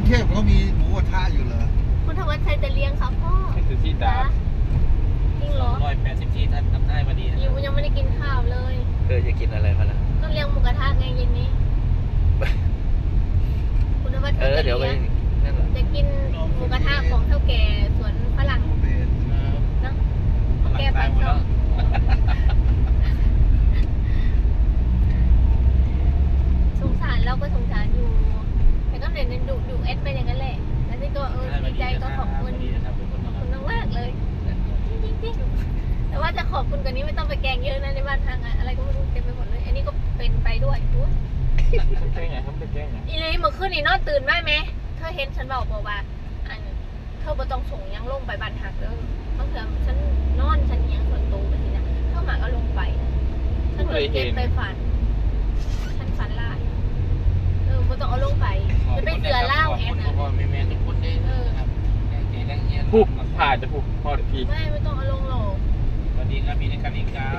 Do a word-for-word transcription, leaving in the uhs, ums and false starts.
เทพเขามีหมูกระทะอยู่เหรอคุณธวัชชัยจะเลี้ยงครับพ่อคือที่ดาจริงเหรอร้อยแปดสิบที่ท่านทำได้พอดีนะอยู่ยังไม่ได้กินข้าวเลยเออจะกินอะไรมาล่ะก็เลี้ยงหมูกระทะไงเย็นนี้คุณธวัชชัยจะเดี๋ยวไปจะกินหมูกระทะของเท่าแก่สวนฝรั่งนะแกไปชอบสงสารเราก็สงสารอยู่แต่ก็เด่นดูดูเอสไปอย่างนั้นแหละแล้วนี่ก็เออดีใจก็ขอบคุณคุณมากๆเลยจริงๆแต่ว่าจะขอบคุณกว่านี้ไม่ต้องไปแกงเยอะนะในบ้านทางอะไรก็ไม่รู้เต็มไปหมดเลยอันนี้ก็เป็นไปด้วยดูแกงไงครับเป็นแกงไงอีเลยเมื่อคืนนี่นอนตื่นได้ไหมเธอเห็นฉันบอกบอกว่าอันเธอบ่ต้องส่งยังลงไปบ้านหักเด้อบางเถื่อฉันนอนฉันยังส่วนตัวไปทีนะเท่าหมากก็ลงไปฉันเลยเก็บไปฝันฉันฝันลายเออบ่ต้องเอาลงไปจะเป็นเสือเล่าแอนนะแม่แม่ทุกคนได้เออครับแกงแกงเงี้ยผูกผ่าจะผูกพอดีไม่ไม่ไม่ต้องเอาลงหรอกสวัสดีครับมีในการอีกครับ